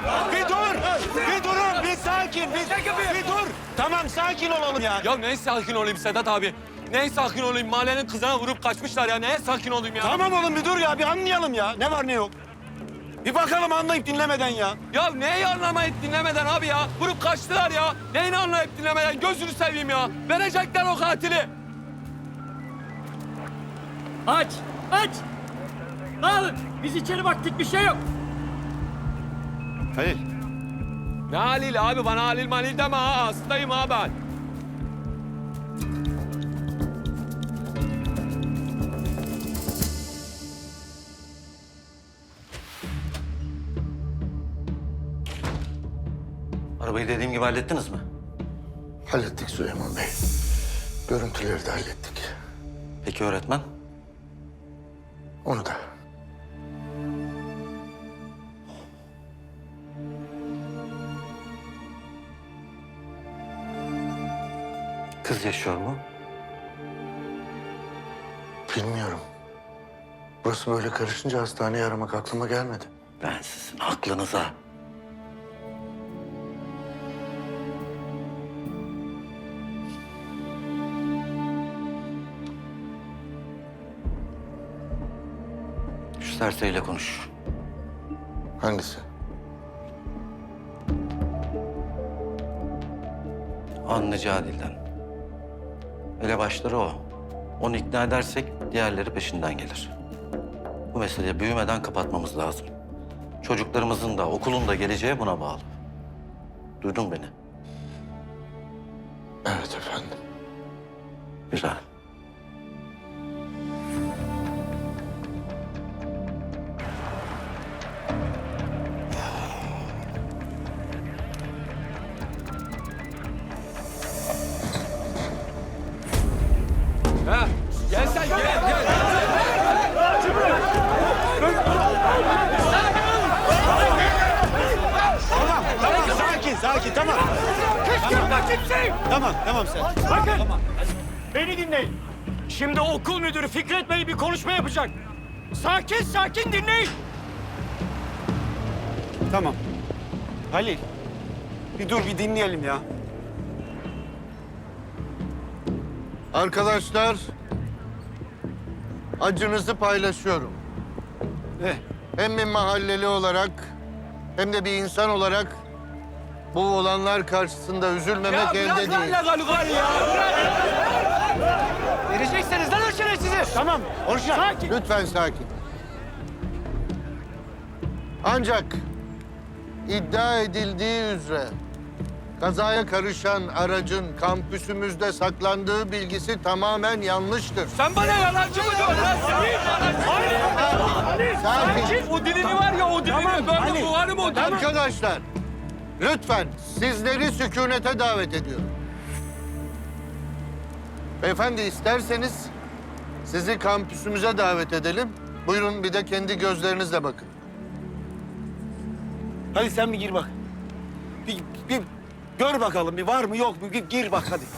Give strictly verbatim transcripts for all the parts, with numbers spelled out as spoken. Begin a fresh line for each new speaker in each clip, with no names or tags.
Bir dur! Bir durun! Bir sakin! Bir, bir dur! Tamam sakin olalım ya.
Ya neye sakin olayım Sedat abi? Neye sakin olayım? Mahallenin kızına vurup kaçmışlar ya. Neye sakin olayım ya?
Tamam oğlum bir dur ya. Bir anlayalım ya. Ne var ne yok. Bir bakalım anlayıp dinlemeden ya.
Ya neyi anlamayıp dinlemeden abi ya? Vurup kaçtılar ya. Neyini anlayıp dinlemeden? Gözünü seveyim ya. Verecekler o katili.
Aç, aç! Dağılın, biz içeri baktık, bir şey yok.
Hayır.
Ne Halil abi? Bana Halil malil deme ha. Hastayım ha ben.
Arabayı dediğim gibi hallettiniz mi?
Hallettik Süleyman Bey. Görüntüleri de hallettik.
Peki öğretmen?
Onu da.
Kız yaşıyor mu?
Bilmiyorum. Burası böyle karışınca hastaneyi aramak aklıma gelmedi.
Ben sizin aklınıza. Şu serseriyle konuş.
Hangisi?
Anlıcı Adil'den. Elebaşları o. Onu ikna edersek diğerleri peşinden gelir. Bu meseleyi büyümeden kapatmamız lazım. Çocuklarımızın da okulun da geleceği buna bağlı. Duydun beni.
Evet efendim.
Güzel.
Ha? Gel sen gel gel.
Tamam tamam sakin sakin tamam.
Kışkırtma kimseyi!
Tamam tamam sen.
Bakın, beni dinleyin. Şimdi okul müdürü Fikret Bey bir konuşma yapacak. Sakin sakin dinleyin.
Tamam. Halil. Bir dur bir dinleyelim ya.
Arkadaşlar, acınızı paylaşıyorum.
Ne?
Hem bir mahalleli olarak hem de bir insan olarak bu olanlar karşısında üzülmemek
Ya
elde
bırak
değil.
lan legal gari ya.
Verecekseniz lan o şerefsizi.
Tamam orijinal.
Sakin.
Lütfen sakin. Ancak iddia edildiği üzere kazaya karışan aracın kampüsümüzde saklandığı bilgisi tamamen yanlıştır.
Sen bana yalancı mı diyorsun lan?
Sakin.
O dilini var ya o dilini. Böyle bu var mı o dilini?
Arkadaşlar, lütfen sizleri sükunete davet ediyorum. Beyefendi isterseniz sizi kampüsümüze davet edelim. Buyurun bir de kendi gözlerinizle bakın.
Hadi sen bir gir bak. Bir, bir gör bakalım bir var mı yok mu bir gir bak hadi.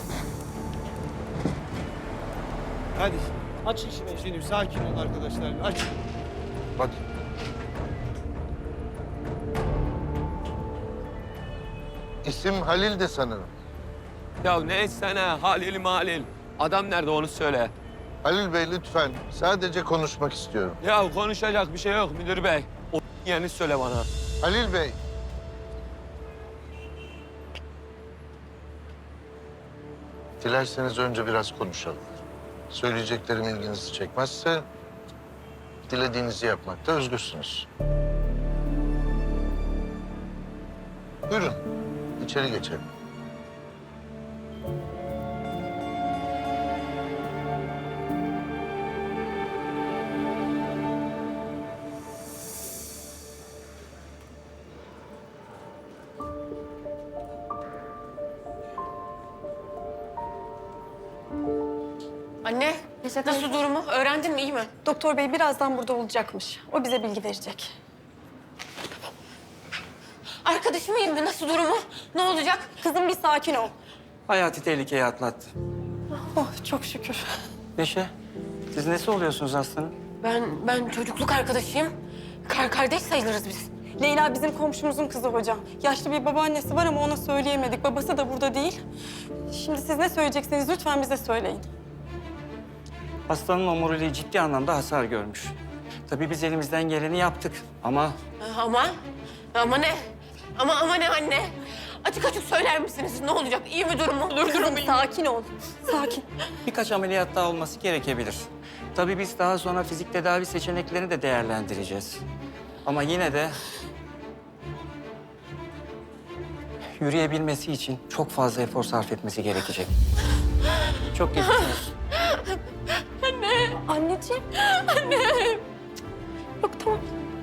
Hadi. Açın şunu şimdi sakin olun arkadaşlar. Aç.
Hadi. İsim Halil de sanırım.
Ya neyse ne Halil Malil. Adam nerede onu söyle.
Halil Bey lütfen sadece konuşmak istiyorum.
Ya konuşacak bir şey yok müdür bey. O yerini söyle bana.
Halil Bey. Dilerseniz önce biraz konuşalım. Söyleyeceklerim ilginizi çekmezse dilediğinizi yapmakta özgürsünüz. Buyurun, içeri geçelim.
Anne, nasıl durumu? Öğrendin mi, iyi mi?
Doktor bey birazdan burada olacakmış. O bize bilgi verecek.
Arkadaşım iyi mi? Nasıl durumu? Ne olacak?
Kızım bir sakin ol.
Hayati tehlikeyi atlattı.
Oh çok şükür.
Neşe, siz nesi oluyorsunuz hastanın?
Ben, ben çocukluk arkadaşıyım. Kar kardeş sayılırız biz.
Leyla bizim komşumuzun kızı hocam. Yaşlı bir babaannesi var ama ona söyleyemedik. Babası da burada değil. Şimdi siz ne söyleyeceksiniz lütfen bize söyleyin.
Hastanın omuriliği ciddi anlamda hasar görmüş. Tabii biz elimizden geleni yaptık ama
Ama, ama ne? Ama ama ne anne? Açık açık söyler misiniz? Ne olacak? İyi mi durumu? Dur
Kızım sakin ol. Sakin.
birkaç ameliyat daha olması gerekebilir. Tabii biz daha sonra fizik tedavi seçeneklerini de değerlendireceğiz. Ama yine de yürüyebilmesi için çok fazla efor sarf etmesi gerekecek. Çok geçmiş olsun.
Anneciğim. Anne. Yok tamam.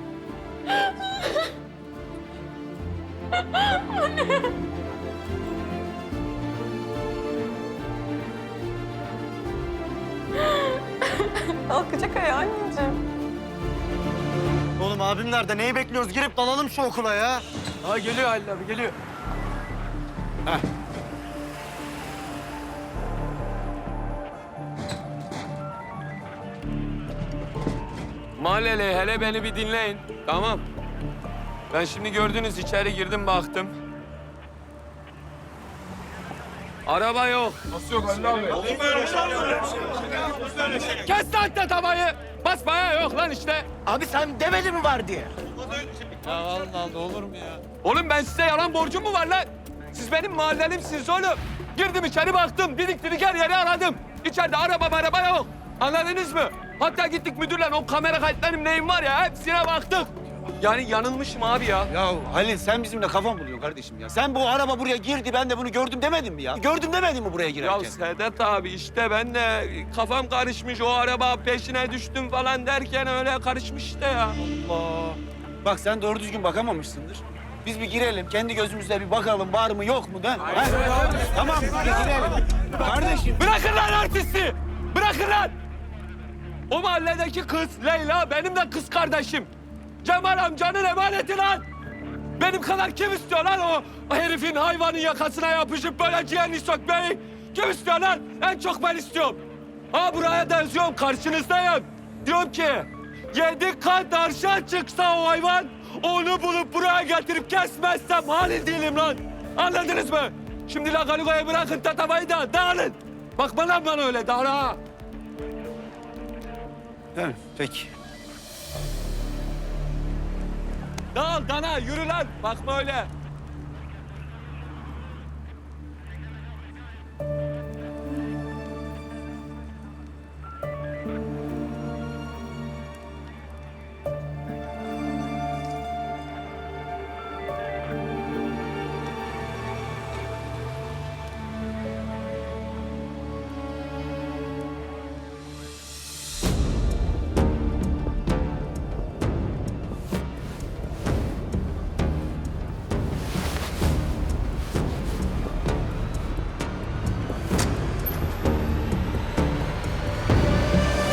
Anne. Kalkacak ayağı anneciğim.
Oğlum abim nerede? Neyi bekliyoruz? Girip dalalım şu okula ya.
Ha geliyor Halil abi geliyor. Mahalleli hele beni bir dinleyin. Tamam. Ben şimdi gördünüz içeri girdim baktım. Araba yok. Nasıl yok Halil abi? Olur mu öyle şey? Kes lan tatamayı. Basmaya yok lan işte.
Abi sen demedin mi var diye?
Oğlum ben size yalan borcum mu var lan? Siz benim mahallelimsiniz oğlum. Girdim içeri baktım, didik didik her yeri aradım. İçeride araba araba yok. Anladınız mı? Hatta gittik müdürle o kamera kayıtlarım neyim var ya hepsine baktık. Yani yanılmışım abi ya.
Ya Halil sen bizimle kafan buluyorsun kardeşim ya. Sen bu araba buraya girdi ben de bunu gördüm demedin mi ya? Gördüm demedin mi buraya
Ya
girerken?
Sedat abi işte ben de kafam karışmış o araba peşine düştüm falan derken öyle karışmış işte ya.
Allah. Bak sen doğru düzgün bakamamışsındır. Biz bir girelim, kendi gözümüzle bir bakalım var mı yok mu da. Ha? Tamam bir girelim. Kardeşim.
Bırakın lan artisti! Bırakın lan! O mahalledeki kız Leyla benim de kız kardeşim. Cemal amcanın emaneti lan! Benim kadar kim istiyor lan o, o herifin hayvanın yakasına yapışıp böyle ciğerini sökmeyi? Kim istiyor lan? En çok ben istiyorum. Ha buraya da yazıyorum, karşınızdayım. Diyorum ki, yedi kat aşağı çıksa o hayvan, onu bulup buraya getirip kesmezsem halil değilim lan. Anladınız mı? Şimdi Lagalugo'yu bırakın tatamayı da dağılın. Bakma lan bana öyle, dağıl ha.
Evet, peki.
Dağıl dana, yürü lan. Bakma öyle.